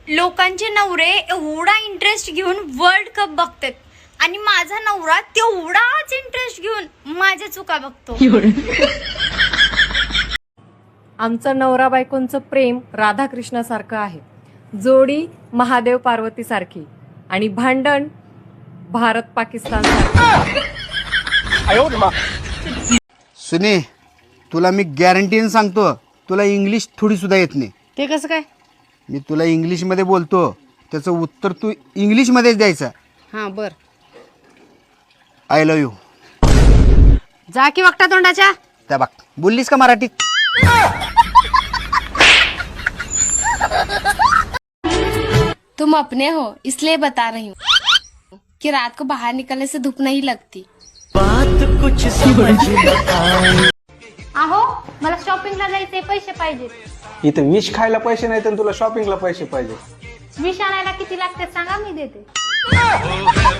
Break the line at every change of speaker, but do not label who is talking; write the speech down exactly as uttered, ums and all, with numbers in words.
लोकांचे नवरे एवढा इंटरेस्ट घेऊन वर्ल्ड कप बघतात आणि माझा नवरा तेवढाच इंटरेस्ट घेऊन माझ्या चुका बघतो.
आमचं नवरा बायकोंचं प्रेम राधाकृष्णासारखं आहे, जोडी महादेव पार्वती सारखी आणि भांडण भारत पाकिस्तान सारखं.
सुने, तुला मी गॅरंटीने सांगतो, तुला इंग्लिश थोडी सुद्धा येत नाही.
ते कसं काय?
मी तुला इंग्लिशमध्ये बोलतो, त्याचं उत्तर तू इंग्लिशमध्येच द्यायचं.
हां बर.
I love you.
जा की वागता तोंडाच्या.
त्या बघ, बोललीस का मराठीत?
तुम अपने हो इसलिए बता रही हूँ कि रात को बाहर निकलने से धूप नहीं लगती.
अहो मला शॉपिंगला जायचे पैसे पाहिजेत.
इथं विष खायला पैसे नाही तर तुला शॉपिंगला पैसे पाहिजे.
विष आणायला किती लागतात सांगा, मी देते.